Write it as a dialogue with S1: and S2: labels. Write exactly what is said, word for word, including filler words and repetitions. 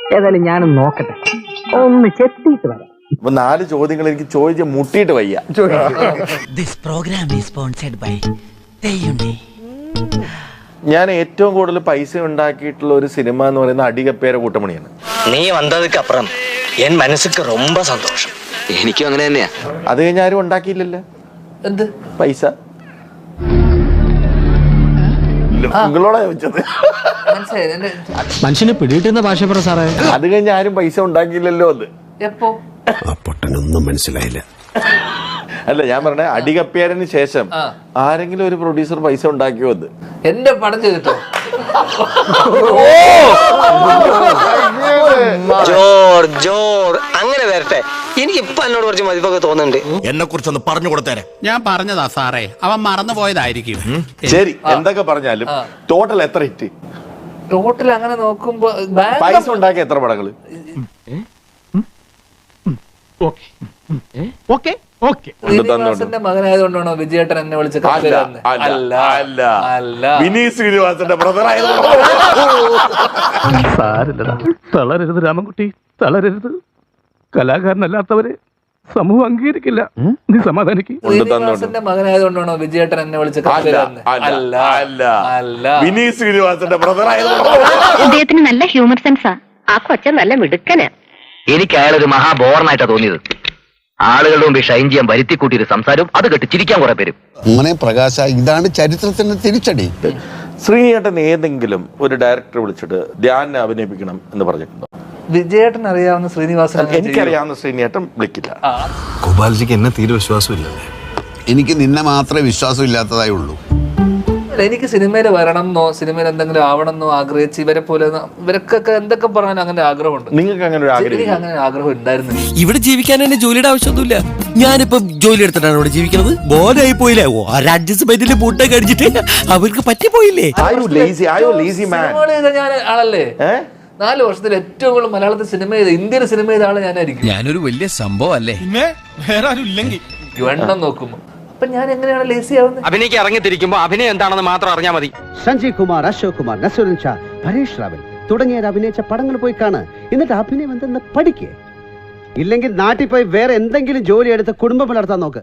S1: ഏതായാലും ഞാനും നോക്കട്ടെ, ഒന്ന് ചെത്തിയിട്ട് വരാം.
S2: അപ്പൊ നാല് ചോദ്യങ്ങൾ എനിക്ക് ചോദിച്ച് മുട്ടിയിട്ട് വയ്യ. ഞാൻ ഏറ്റവും കൂടുതൽ പൈസ ഉണ്ടാക്കിയിട്ടുള്ള ഒരു സിനിമ എന്ന് പറയുന്നത് അടികപ്പേര കൂട്ടമണിയാണ്.
S3: നീ വന്നതുക്ക് അപ്പുറം എൻ മനസ്സുക്ക് ரொம்ப സന്തോഷം. എനിക്കും അങ്ങനെ തന്നെയാ.
S2: അത് കഴിഞ്ഞ ആരും ഉണ്ടാക്കിയില്ലല്ലോ
S4: എന്ത്
S2: പൈസ. നിങ്ങളോടാ ചോദിച്ചത്.
S5: മനുഷ്യനെ പിടികിട്ടുന്ന ഭാഷ പറ സാറേ.
S2: അത് കഴിഞ്ഞ ആരും പൈസ ഉണ്ടാക്കിയില്ലല്ലോ. അത്
S4: എപ്പോ
S6: പൊട്ടനൊന്നും മനസ്സിലായില്ല.
S2: അല്ല, ഞാൻ പറഞ്ഞ അടികപ്പേരന് ശേഷം ആരെങ്കിലും ഒരു പ്രൊഡ്യൂസർ പൈസ ഉണ്ടാക്കിയോ? അത്
S4: എന്റെ പടം ചെയ്തിട്ടോ?
S3: ജോർ ജോർ അങ്ങനെ വരട്ടെ. എനിക്ക് ഇപ്പൊ എന്നോട് കുറച്ച് മതിപ്പൊക്കെ തോന്നുന്നുണ്ട്.
S6: എന്നെ കുറിച്ചൊന്ന് പറഞ്ഞു കൊടുത്തേരെ.
S5: ഞാൻ പറഞ്ഞതാ സാറേ, അവൻ മറന്നു പോയതായിരിക്കും.
S2: ശരി, എന്തൊക്കെ പറഞ്ഞാലും ടോട്ടൽ എത്ര ഹിറ്റ്?
S4: ടോട്ടൽ അങ്ങനെ നോക്കുമ്പോ
S2: പൈസ ഉണ്ടാക്കിയ എത്ര പടങ്ങള്?
S4: ശ്രീനിവാസന്റെ മകനായതുകൊണ്ടാണോ വിജയേട്ടൻ എന്നെ വിളിച്ച?
S2: വിനീത് ശ്രീനിവാസന്റെ ബ്രദർ ആയതുകൊണ്ടോ?
S7: സാരില്ലടാ, തളരരുത് രാമൻകുട്ടി, തളരരുത്. കലാകാരനല്ലാത്തവരെ സമൂഹം അംഗീകരിക്കില്ല. നീ സമാധാനിക്ക്.
S4: ശ്രീനിവാസന്റെ മകനായതുകൊണ്ടാണോ വിജയേട്ടൻ എന്നെ വിളിച്ച?
S2: വിനീത് ശ്രീനിവാസന്റെ ബ്രദർ ആയതുകൊണ്ടോ?
S8: അദ്ദേഹത്തിന് നല്ല ഹ്യൂമർ സെൻസാ. ആ കൊച്ചൻ നല്ല മിടുക്കനാ.
S3: എനിക്ക് അയാളൊരു മഹാബോറനായിട്ടാ തോന്നിയത്. ആളുകളുടെ മുമ്പ് ഷൈൻ ചെയ്യാൻ വരുത്തി കൂട്ടിയൊരു സംസാരവും അത് കേട്ട് ചിരിക്കാൻ കുറെ പേരും.
S6: മോനെ പ്രകാശ, ഇതാണ് ചരിത്രത്തിന്റെ തിരിച്ചടി.
S2: ശ്രീയേട്ടൻ ഏതെങ്കിലും ഒരു ഡയറക്ടർ വിളിച്ചിട്ട് ധ്യാനെ അഭിനയിപ്പിക്കണം എന്ന് പറഞ്ഞിട്ടുണ്ടോ?
S4: വിജയേട്ടൻ അറിയാവുന്ന ശ്രീനിവാസൻ
S2: എനിക്കറിയാവുന്ന ശ്രീനേട്ടൻ വിളിക്കില്ല.
S6: ഗോപാൽജിക്ക് എന്നെ തീരെ വിശ്വാസമില്ലല്ലേ? എനിക്ക് നിന്നെ മാത്രമേ വിശ്വാസം ഇല്ലാത്തതായി ഉള്ളൂ.
S4: എനിക്ക് സിനിമയിൽ വരണം എന്നോ സിനിമയിൽ എന്തെങ്കിലും ആവണം എന്നോ ആഗ്രഹിച്ച് ഇവരെ പോലെ ഇവർക്കൊക്കെ എന്തൊക്കെ പറഞ്ഞാലും അങ്ങനെ ആഗ്രഹമുണ്ട്.
S2: നിങ്ങൾക്ക് അങ്ങനെ ഒരു ആഗ്രഹം?
S4: എനിക്ക് അങ്ങനെ ആഗ്രഹം ഉണ്ടായിരുന്നു.
S9: ഇവിടെ ജീവിക്കാൻ തന്നെ ജോലിയുടെ ആവശ്യമൊന്നുമില്ല. ഞാനിപ്പം ജോലി എടുത്തിട്ടാണ് ഇവിടെ ജീവിക്കുന്നത്. ബോധമായി പോയില്ലേ? അഡ്ജസ്റ്റ്മെന്റിൽ പൂട്ടൊക്കെ കഴിച്ചിട്ട് അവർക്ക് പറ്റിപ്പോയില്ലേ?
S4: ഞാൻ ആളല്ലേ നാല് വർഷത്തിൽ ഏറ്റവും കൂടുതൽ മലയാളത്തിൽ സിനിമ ചെയ്ത ഇന്ത്യൻ സിനിമ ചെയ്ത ആള് ഞാനായിരിക്കും.
S9: ഞാനൊരു വലിയ സംഭവം അല്ലേ?
S7: വേറെ ആരും ഇല്ലെങ്കിൽ
S4: എണ്ണം നോക്കുമ്പോ അപ്പൊ ഞാൻ എങ്ങനെയാണ് ലേസി ആവുന്നത്?
S3: അഭിനയിക്ക് ഇറങ്ങിത്തിരിക്കുമ്പോ അഭിനയം എന്താണെന്ന് മാത്രം അറിഞ്ഞാൽ മതി.
S10: സഞ്ജയ് കുമാർ, അശോക് കുമാർ, നസറുദ്ദീൻ ഷാ, പരേഷ് റാവൽ തുടങ്ങിയവർ അഭിനയിച്ച പടങ്ങൾ പോയി കാണ്. എന്നിട്ട് അഭിനയം എന്തെന്ന് പഠിക്കേ. ഇല്ലെങ്കിൽ നാട്ടിൽ പോയി വേറെ എന്തെങ്കിലും ജോലി എടുത്ത് കുടുംബം പുലർത്താൻ നോക്ക്.